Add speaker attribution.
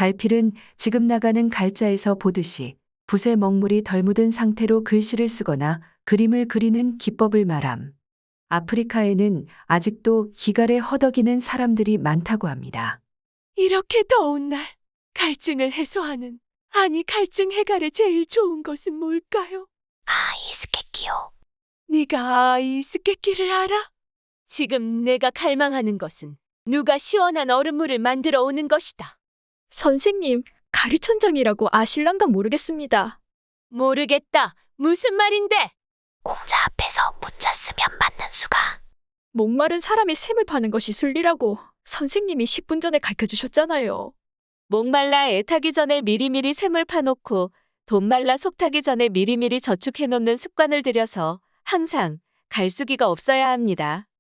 Speaker 1: 갈필은 지금 나가는 갈자에서 보듯이 붓에 먹물이 덜 묻은 상태로 글씨를 쓰거나 그림을 그리는 기법을 말함. 아프리카에는 아직도 기갈에 허덕이는 사람들이 많다고 합니다.
Speaker 2: 이렇게 더운 날 갈증을 해소하는, 아니 갈증 해갈에 제일 좋은 것은 뭘까요?
Speaker 3: 이스케키요.
Speaker 2: 네가 이스케키를 알아? 지금 내가 갈망하는 것은 누가 시원한 얼음물을 만들어 오는 것이다.
Speaker 3: 선생님, 가르천장이라고 아실랑가 모르겠습니다.
Speaker 2: 모르겠다. 무슨 말인데?
Speaker 3: 공자 앞에서 문자 쓰면 맞는 수가. 목마른 사람이 샘을 파는 것이 순리라고 선생님이 10분 전에 가르쳐주셨잖아요.
Speaker 2: 목말라 애타기 전에 미리미리 샘을 파놓고 돈 말라 속 타기 전에 미리미리 저축해놓는 습관을 들여서 항상 갈수기가 없어야 합니다.